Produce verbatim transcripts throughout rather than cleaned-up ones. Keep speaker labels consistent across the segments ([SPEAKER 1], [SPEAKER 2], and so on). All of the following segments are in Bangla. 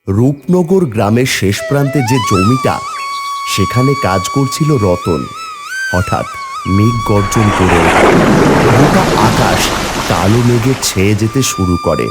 [SPEAKER 1] রূপনগর গ্রামের শেষ প্রান্তে যে জমিটা, সেখানে কাজ করছিল রতন। হঠাৎ মেঘ গর্জন করে ওঠে। গোটা আকাশ কালো মেঘে ছেয়ে যেতে শুরু করে।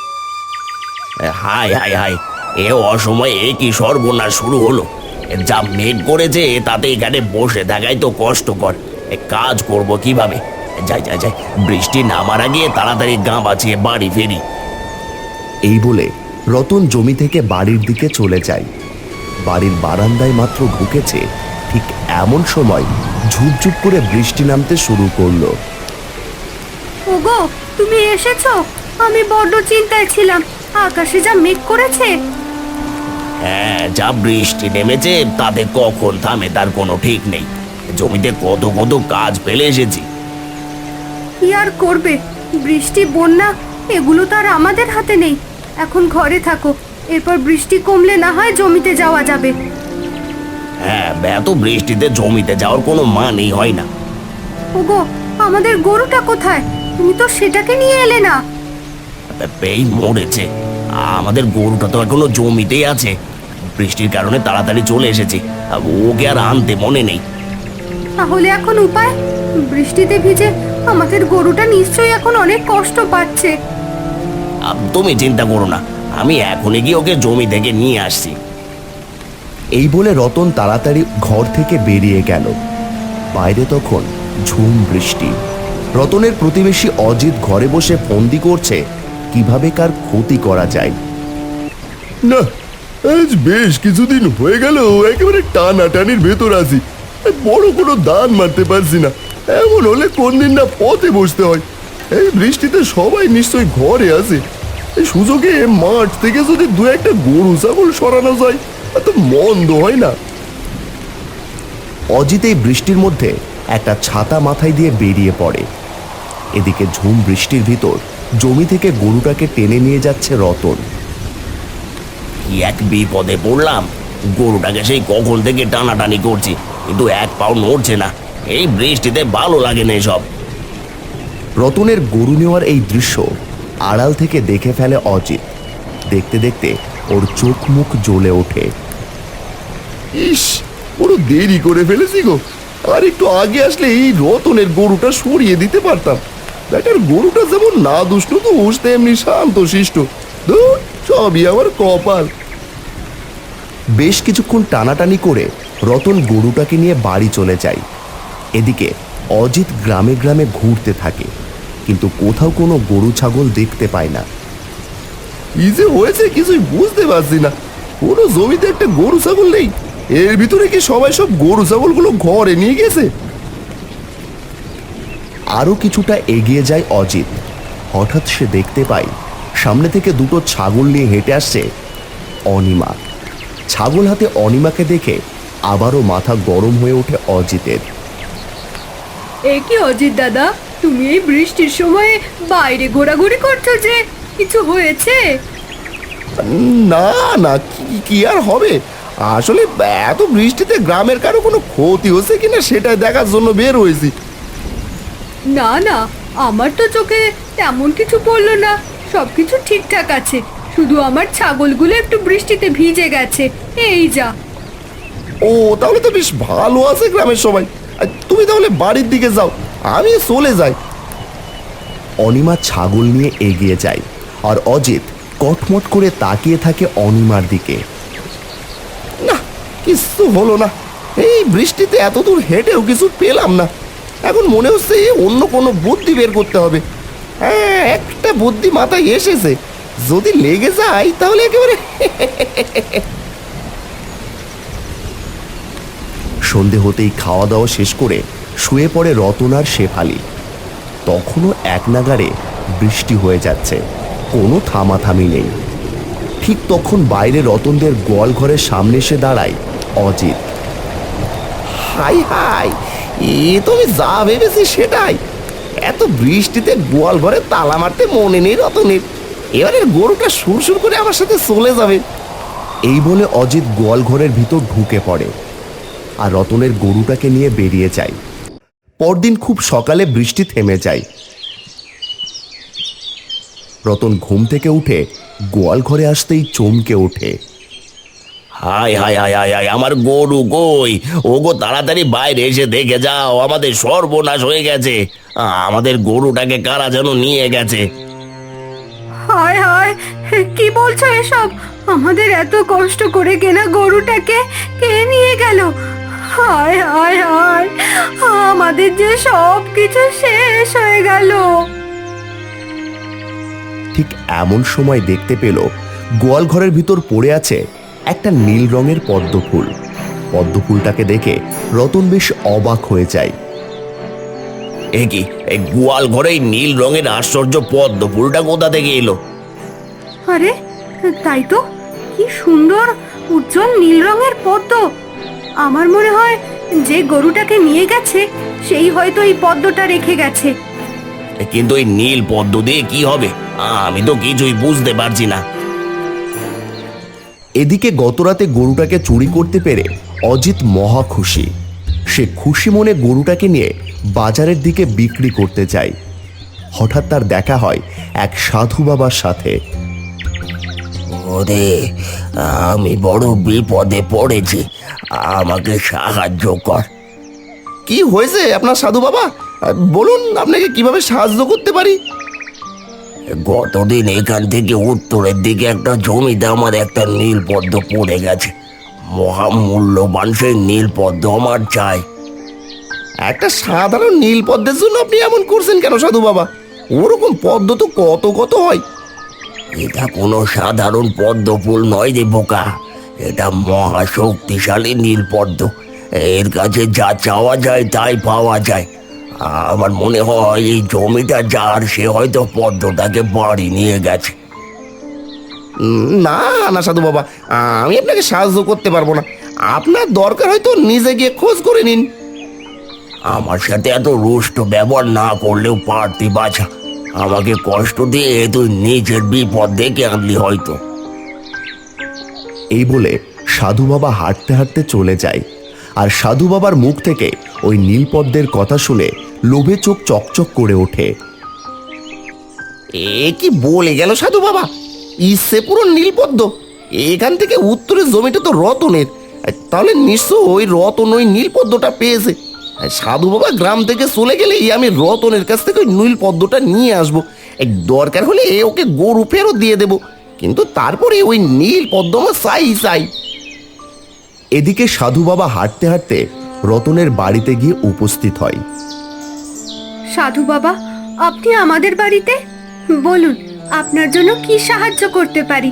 [SPEAKER 2] হাই হাই হাই, এ অসময়ে এ কি সর্বনাশ শুরু হলো! যা মেঘ করেছে তাতে এখানে বসে থাকাই তো কষ্টকর। এ কাজ করব কিভাবে? যাই যাই যাই, বৃষ্টি নামার আগে তাড়াতাড়ি গা বাঁচিয়ে বাড়ি ফেরি।
[SPEAKER 1] এই বলে রতন জমি থেকে বাড়ির দিকে চলে যায়। বাড়ির বারান্দায় মাত্র ঢুকেছে, ঠিক এমন সময় ঝুপঝুপ করে বৃষ্টি নামতে শুরু করলো।
[SPEAKER 3] ওগো, তুমি এসেছো? আমি বড্ড চিন্তায় ছিলাম, আকাশে যা মেঘ করেছে।
[SPEAKER 2] হ্যাঁ, যা বৃষ্টি নেমেছে তাতে কখন থামে তার কোনো ঠিক নেই। জমিতে কত কত কাজ ফেলে এসেছি।
[SPEAKER 3] কি আর করবে, বৃষ্টি বন্যা এগুলো তো আর আমাদের হাতে নেই। এখন ঘরে থাকো, এরপর বৃষ্টি কমলে না হয় জমিতে যাওয়া যাবে।
[SPEAKER 2] হ্যাঁ, এত বৃষ্টিতে জমিতে যাওয়ার কোনো মানেই হয় না।
[SPEAKER 3] ওগো, আমাদের গরুটা কোথায়? তুমি তো সেটাকে নিয়ে এলে না।
[SPEAKER 2] এই মরেছে, আমাদের গরুটা তো এখনো জমিতেই আছে। বৃষ্টির কারণে তাড়াতাড়ি চলে এসেছি, ওকে আর আনতে মনে নেই।
[SPEAKER 3] তাহলে এখন উপায়? বৃষ্টিতে ভিজে আমাদের গরুটা নিশ্চয়ই এখন অনেক কষ্ট পাচ্ছে।
[SPEAKER 2] তুমি চিন্তা করো না, আমি এখনই গিয়ে ওকে জমি থেকে নিয়ে আসছি।
[SPEAKER 1] এই বলে রতন তাড়াতাড়ি ঘর থেকে বেরিয়ে গেল। বাইরে তখন ঝুম বৃষ্টি। রতনের প্রতিবেশী অজিত ঘরে বসে ফন্দি করছে কিভাবে কার ক্ষতি করা যায়।
[SPEAKER 4] না, আজ বেশ কিছুদিন হয়ে গেল একেবারে টানাটানির ভেতর আছি। বড় কোনো দান মারতে পারছি না। এমন হলে কোন দিন না পথে বসতে হয়। এই বৃষ্টিতে সবাই নিশ্চয়ই ঘরে আছে। এই সুযোগে মাঠ থেকে যদি দু একটা গরু ছাগল সরানো যায় তো মন্দ হয় না।
[SPEAKER 1] অজিত এই বৃষ্টির মধ্যে একটা ছাতা মাথায় দিয়ে বেরিয়ে পড়ে। এদিকে ঝুম বৃষ্টির ভিতর জমি থেকে গরুটাকে টেনে নিয়ে যাচ্ছে রতন।
[SPEAKER 2] কি এক বিপদে পড়লাম! গরুটাকে সেই কখন থেকে টানাটানি করছি, কিন্তু এক পাও নড়ছে না। এই বৃষ্টিতে ভালো লাগে না এসব।
[SPEAKER 1] রতনের গরু নেওয়ার এই দৃশ্য আড়াল থেকে দেখে ফেলে অজিত। দেখতে দেখতে ওর চোখ মুখ জ্বলে ওঠে।
[SPEAKER 4] ইস, বড় দেরি করে ফেলেছি গো। আর একটু আগে আসলে এই রতনের গরুটা সরিয়ে দিতে পারতাম। ব্যাটার গরুটা যেমন না দুষ্ট তো উঠতে এমনি শান্ত শিষ্ট। ধুর, সবই আমার কপাল।
[SPEAKER 1] বেশ কিছুক্ষণ টানাটানি করে রতন গরুটাকে নিয়ে বাড়ি চলে যায়। এদিকে অজিত গ্রামে গ্রামে ঘুরতে থাকে, কিন্তু কোথাও কোনো গরু ছাগল দেখতে পায় না।
[SPEAKER 4] কি যে হয়েছে কিছুই বুঝতে পারছি না। কোনো জমিতে একটা গরু ছাগল নেই। এর ভিতরে কি সবাই সব গরু ছাগলগুলো ঘরে নিয়ে গেছে?
[SPEAKER 1] আরও কিছুটা এগিয়ে যায় অজিত। হঠাৎ সে দেখতে পায় সামনে থেকে দুটো ছাগল নিয়ে হেঁটে আসছে অনিমা। ছাগল হাতে অনিমাকে দেখে আবারও মাথা গরম হয়ে ওঠে অজিতের।
[SPEAKER 3] এ কি অজিত দাদা, তুমি এই বৃষ্টির সময়ে বাইরে ঘোরাঘুরি করছো যে? কিছু হয়েছে?
[SPEAKER 4] না না, কি- কি আর হবে। আসলে এত বৃষ্টিতে গ্রামের কারো কোনো ক্ষতি হচ্ছে কিনা সেটাই দেখার জন্য বের হয়েছি।
[SPEAKER 3] না না, আমার তো চোখে তেমন কিছু পড়লো না, সবকিছু ঠিকঠাক আছে। শুধু আমার ছাগলগুলো একটু বৃষ্টিতে ভিজে গেছে, এই যা।
[SPEAKER 4] ও, তাহলে তো বেশ ভালো আছে গ্রামের সবাই। আর তুমি তাহলে বাড়ির দিকে যাও, আমি চলে যাই।
[SPEAKER 1] অনিমা ছাগল নিয়ে এগিয়ে যায়, আর অজিত কটমট করে তাকিয়ে থাকে অনিমার দিকে।
[SPEAKER 4] না, কিছু হলো না। এই বৃষ্টিতে এত দূর হেঁটেও কিছু পেলাম না। এখন মনে হচ্ছে অন্য কোনো বুদ্ধি বের করতে হবে। হ্যাঁ, একটা বুদ্ধি মাথায় এসেছে। যদি লেগে যায় তাহলে একেবারে
[SPEAKER 1] সন্ধে হতেই খাওয়া দাওয়া শেষ করে শুয়ে পড়ে রতন আর শেফালি। তখনও এক নাগাড়ে বৃষ্টি হয়ে যাচ্ছে, কোনো থামাথামি নেই। ঠিক তখন বাইরে রতনদের গোয়াল ঘরের সামনে এসে দাঁড়ায় অজিত।
[SPEAKER 4] হাই হাই, এ তো আমি যা ভেবেছি সেটাই। এত বৃষ্টিতে গোয়াল ঘরে তালা মারতে মনে নেই রতনের। এবারে গরুটা সুরসুর করে আমার সাথে চলে যাবে।
[SPEAKER 1] এই বলে অজিত গোয়াল ঘরের ভিতর ঢুকে পড়ে, আর রতনের গরুটাকে নিয়ে বেরিয়ে যায়। পরদিন খুব সকালে বৃষ্টি থেমে যায়। রতন ঘুম থেকে উঠে গোয়াল ঘরে আসতেই চমকে ওঠে।
[SPEAKER 2] হায় হায় হায় হায় হায়, আমার গরু কই? ও গো, তাড়াতাড়ি বাইরে এসে দেখে যাও, আমাদের সর্বনাশ হয়ে গেছে। আমাদের গরুটাকে কারা যেন নিয়ে গেছে।
[SPEAKER 3] হায় হায়, কি বলছো এসব? আমাদের এত কষ্ট করে কেনা গরুটাকে কে নিয়ে গেল? হায় হায় হায়, আমাদের যে সব কিছু শেষ হয়ে গেল।
[SPEAKER 1] ঠিক এমন সময় দেখতে পেল গোয়াল ঘরের ভিতর পড়ে আছে একটা নীল রঙের পদ্ম ফুল। পদ্ম ফুলটাকে দেখে রতন বেশ অবাক হয়ে যায়।
[SPEAKER 2] এ কি, এই গোয়াল ঘরে এই নীল রঙের আশ্চর্য পদ্ম ফুলটা কোথা থেকে এলো?
[SPEAKER 3] আরে তাই তো, কি সুন্দর উজ্জ্বল নীল রঙের পদ্ম। আমার মনে হয় যে গরুটাকে নিয়ে গেছে সেই হয়তো এই পদ্মটা রেখে গেছে।
[SPEAKER 2] কিন্তু এই নীল পদ্ম দিয়ে কি হবে? আমি তো কিছুই বুঝতে পারছি না।
[SPEAKER 1] এদিকে গতরাতে গরুটাকে চুরি করতে পেরে অজিত মহা খুশি। সে খুশি মনে গরুটাকে নিয়ে বাজারের দিকে বিক্রি করতে যায়। হঠাৎ তার দেখা হয় এক সাধু বাবার সাথে।
[SPEAKER 2] ওরে, আমি বড় বিপদে পড়েছি, আমাকে সাহায্য কর।
[SPEAKER 4] কি হয়েছে আপনার সাধু বাবা? বলুন, আপনাকে কিভাবে সাহায্য করতে পারি?
[SPEAKER 2] গতদিন এখান থেকে উত্তরের দিকে একটা জমিতে আমার একটা নীল পদ্ম পড়ে গেছে। মহামূল্যবান সেই নীল পদ্ম আমার চাই।
[SPEAKER 4] একটা সাধারণ নীল পদ্মের জন্য আপনি এমন করছেন কেন সাধু বাবা? ওরকম পদ্ম তো কত কত হয়।
[SPEAKER 2] এটা কোনো সাধারণ পদ্ম ফুল নয় রে বোকা, এটা মহা শক্তিশালী নীল পদ্ম। এর কাছে যা চাওয়া যায় তাই পাওয়া যায়। আমার মনে হয় এই জমিটা যার, সে হয়তো পদ্মটাকে বাড়ি নিয়ে গেছে।
[SPEAKER 4] উম, না না সাধু বাবা, আমি আপনাকে সাহায্য করতে পারবো না। আপনার দরকার হয়তো নিজে গিয়ে খোঁজ করে নিন।
[SPEAKER 2] আমার সাথে এত রুষ্ট ব্যবহার না করলেও পারতি বাছা। আমাকে কষ্ট দিয়ে তুই নিজের বিপদ ডেকে আনলি হয়তো।
[SPEAKER 1] এই বলে সাধু বাবা হাঁটতে হাঁটতে চলে যায়। আর সাধু বাবার মুখ থেকে ওই নীলপদ্মের কথা শুনে লোভে চোখ চকচক করে ওঠে।
[SPEAKER 4] এ কি বলে গেল সাধু বাবা? ইচ্ছে পুরো নীলপদ্ম। এখান থেকে উত্তরের জমিটা তো রতনের, তাহলে নিশ্চয় ওই রতন ওই নীলপদ্মটা পেয়েছে। সাধু বাবা গ্রাম থেকে চলে গেলেই আমি রতনের কাছ থেকে ওই নীলপদ্মটা নিয়ে আসবো। এই দরকার হলে ওকে গরু ফেরত দিয়ে দেবো, কিন্তু তারপরে ওই নীলপদ্ম আমার চাই চাই।
[SPEAKER 1] এদিকে সাধু বাবা হাঁটতে হাঁটতে রতনের বাড়িতে গিয়ে উপস্থিত হয়।
[SPEAKER 3] সাধু বাবা, আপনি আমাদের বাড়িতে? বলুন, আপনার জন্য কি সাহায্য করতে পারি?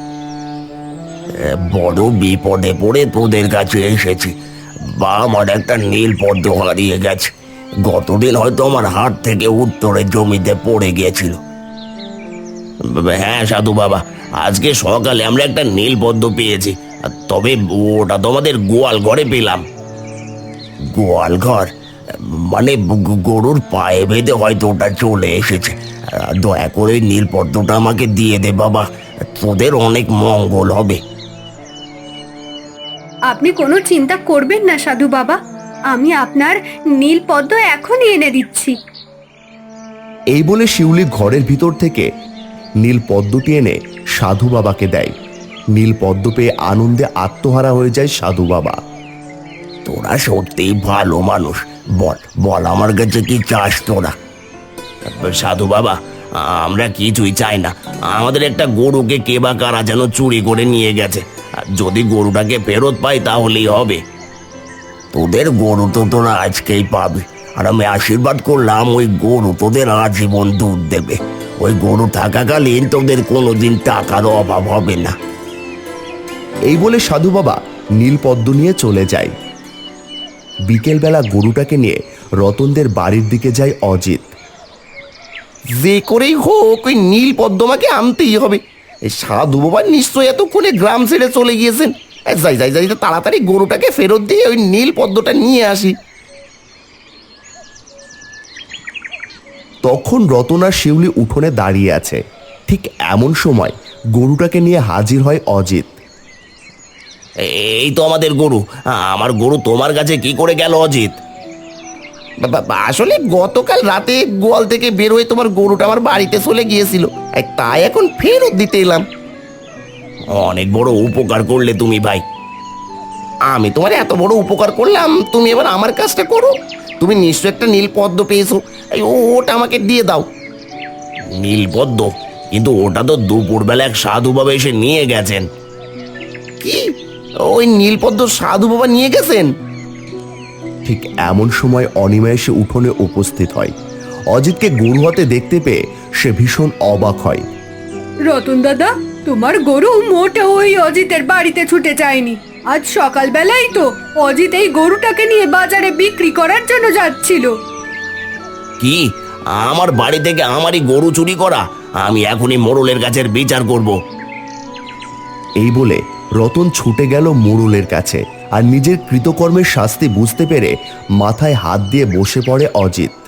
[SPEAKER 2] এ, বড় বিপদে পড়ে তোদের কাছে এসেছি। বা আমার একটা নীল পদ্ম হারিয়ে গেছে। গতদিন হয়তো আমার হাত থেকে উত্তরের জমিতে পড়ে গিয়েছিল। হ্যাঁ সাধু বাবা, আজকে সকালে আমরা একটা নীল পদ্ম পেয়েছি। তবে ওটা তো আমাদের গোয়াল ঘরে পেলাম। গোয়াল ঘর মানে গ- গরুর পায়ে বেঁধে হয়তো ওটা চলে এসেছে। দয়া করে ওই নীল পদ্মটা আমাকে দিয়ে দে বাবা, তোদের অনেক মঙ্গল হবে।
[SPEAKER 3] আপনি কোনো চিন্তা করবেন না সাধু বাবা, আমি আপনার নীল পদ্ম এখনই এনে দিচ্ছি।
[SPEAKER 1] এই বলে শিউলি ঘরের ভিতর থেকে নীল পদ্মটি এনে সাধু বাবাকে দেয়। নীল পদ্ম পেয়ে আনন্দে আত্মহারা হয়ে যায় সাধু বাবা।
[SPEAKER 2] তোরা সত্যিই ভালো মানুষ। বল বল আমার কাছে কি চাস তোরা? সাধু বাবা, আমরা কিছুই চাই না। আমাদের একটা গরুকে কে বা কারা যেন চুরি করে নিয়ে গেছে। যদি গরুটাকে ফেরত পাই তাহলেই হবে। তোদের গরু তো তোরা আজকেই পাবি, আর আমি আশীর্বাদ করলাম ওই গরু তোদের আজীবন দুধ দেবে। ওই গরু থাকাকালীন তোদের কোনোদিন টাকার অভাব হবে না।
[SPEAKER 1] এই বলে সাধু বাবা নীল পদ্ম নিয়ে চলে যায়। বিকেলবেলা গরুটাকে নিয়ে রতনদের বাড়ির দিকে যায় অজিত।
[SPEAKER 4] যে করেই হোক ওই নীল পদ্ম আমাকে আনতেই হবে। এই সাধু বাবা নিশ্চয়ই এতক্ষণে গ্রাম ছেড়ে চলে গিয়েছেন। এই যাই যাই যাই তাড়াতাড়ি গরুটাকে ফেরত দিয়ে ওই নীল পদ্মটা নিয়ে আসি।
[SPEAKER 1] তখন রতন আর শিউলি উঠোনে দাঁড়িয়ে আছে। ঠিক এমন সময় গরুটাকে নিয়ে হাজির হয় অজিত।
[SPEAKER 2] এই তো আমাদের গরু। আমার গরু তোমার কাছে কি করে গেল অজিত? বা- বা- আসলে গতকাল রাতে গোয়াল থেকে বের হয়ে তোমার গরুটা আমার বাড়িতে চলে গিয়েছিল, এই তাই এখন ফেরত দিতে এলাম। অনেক বড় উপকার করলে তুমি ভাই। আমি তোমার এত বড় উপকার করলাম, তুমি এবার আমার কাজটা করো। তুমি নিশ্চয় একটা নীল পদ্ম পেয়েছো, এই ও- ওটা আমাকে দিয়ে দাও। নীল পদ্ম? কিন্তু ওটা তো দুপুরবেলা এক সাধু বাবা এসে নিয়ে গেছেন। কি? ওই নীল পদ্ম সাধু বাবা নিয়ে গেছেন?
[SPEAKER 1] ঠিক এমন সময় অনিমা এসে উঠোনে উপস্থিত হয়। অজিতকে গরু হাতে দেখতে পেয়ে সে ভীষণ অবাক হয়।
[SPEAKER 3] রতন দাদা, তোমার গরু মোটে ওই অজিতের বাড়িতে ছুটে যায়নি। আজ সকালবেলাই তো অজিত এই গরুটাকে নিয়ে বাজারে বিক্রি করার জন্য যাচ্ছিল।
[SPEAKER 2] কি? আমার বাড়ি থেকে আমারই গরু চুরি করা? আমি এখনই মোড়লের গাছের বিচার করব।
[SPEAKER 1] এই বলে রতন ছুটে গেল মোড়লের কাছে আর নিজের কৃতকর্মের শাস্তি বুঝতে পেরে মাথায় হাত দিয়ে বসে পড়ে অজিত।